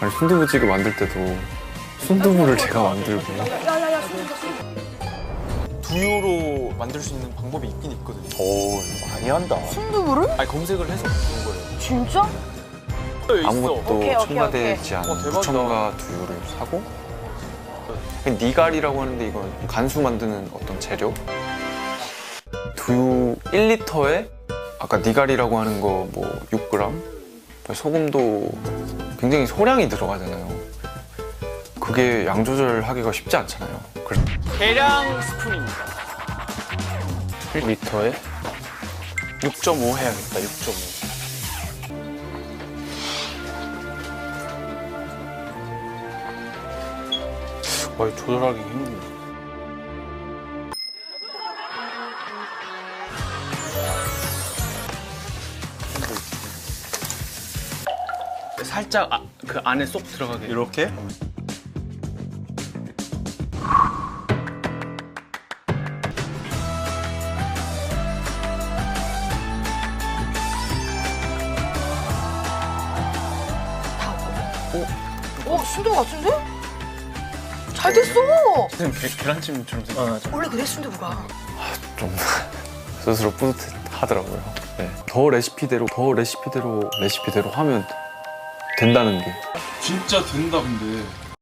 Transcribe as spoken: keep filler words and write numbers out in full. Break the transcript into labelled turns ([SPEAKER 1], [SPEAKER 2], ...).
[SPEAKER 1] 아니 순두부찌개 만들 때도 순두부를 제가 만들고.
[SPEAKER 2] 야야야 순두부 순두부.
[SPEAKER 3] 두유로 만들 수 있는 방법이 있긴 있거든요.
[SPEAKER 4] 오, 이거 많이 한다.
[SPEAKER 2] 순두부를?
[SPEAKER 3] 아니 검색을 해서 본 거예요.
[SPEAKER 2] 진짜?
[SPEAKER 3] 있어.
[SPEAKER 1] 아무것도
[SPEAKER 2] 오케이, 오케이,
[SPEAKER 1] 첨가되지
[SPEAKER 3] 오케이.
[SPEAKER 1] 않은
[SPEAKER 3] 어, 대박이다.
[SPEAKER 1] 무첨가 두유를 사고 니갈이라고 하는데 이건 간수 만드는 어떤 재료. 두유 일 리터에 아까 니갈이라고 하는 거 뭐 육 그램, 소금도 굉장히 소량이 들어가잖아요. 그게 양 조절하기가 쉽지 않잖아요. 그래서
[SPEAKER 3] 계량 스푼입니다.
[SPEAKER 4] 일 리터에 육 점 오 해야겠다. 육 점 오. 와, 이거 조절하기 힘든데.
[SPEAKER 3] 살짝 아, 그 안에 쏙 들어가게.
[SPEAKER 4] 이렇게?
[SPEAKER 2] 어 순두부 같은데? 잘 됐어.
[SPEAKER 3] 선생님 계, 계란찜처럼 생겼어.
[SPEAKER 4] 어, 맞아.
[SPEAKER 2] 원래 그래 순두부가.
[SPEAKER 1] 좀 스스로 뿌듯하더라고요. 네. 더 레시피대로 더 레시피대로 레시피대로 하면 된다는 게.
[SPEAKER 5] 진짜 된다 근데